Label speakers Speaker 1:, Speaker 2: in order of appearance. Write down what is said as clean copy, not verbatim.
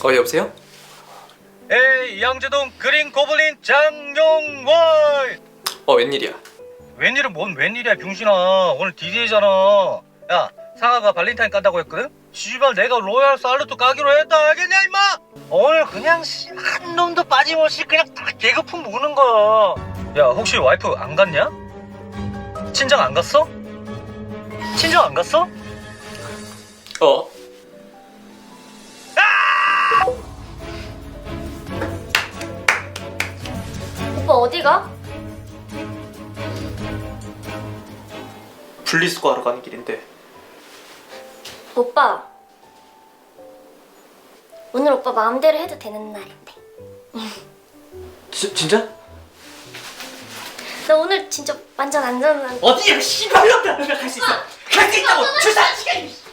Speaker 1: 여보세요?
Speaker 2: 에이 양재동 그린 고블린 장용월.
Speaker 1: 웬일이야?
Speaker 2: 웬일은 뭔 웬일이야 병신아. 오늘 DJ잖아. 야 상아가 발렌타인 깐다고 했거든? 씨발 내가 로얄 살루트 까기로 했다 알겠냐 임마? 오늘 그냥 한 놈도 빠짐없이 그냥 다 개그품 무는 거야. 야 혹시 와이프 안 갔냐? 친정 안 갔어? 친정 안 갔어?
Speaker 3: 오빠 어디가?
Speaker 1: 분리수거하러 가는 길인데.
Speaker 3: 오빠 오늘 오빠 마음대로 해도 되는 날인데.
Speaker 1: 진짜?
Speaker 3: 나 오늘 진짜 완전 안전한.
Speaker 1: 어디야 씨발놈들아. 갈 수 있어. 갈 수 있다고. 출산 시간이.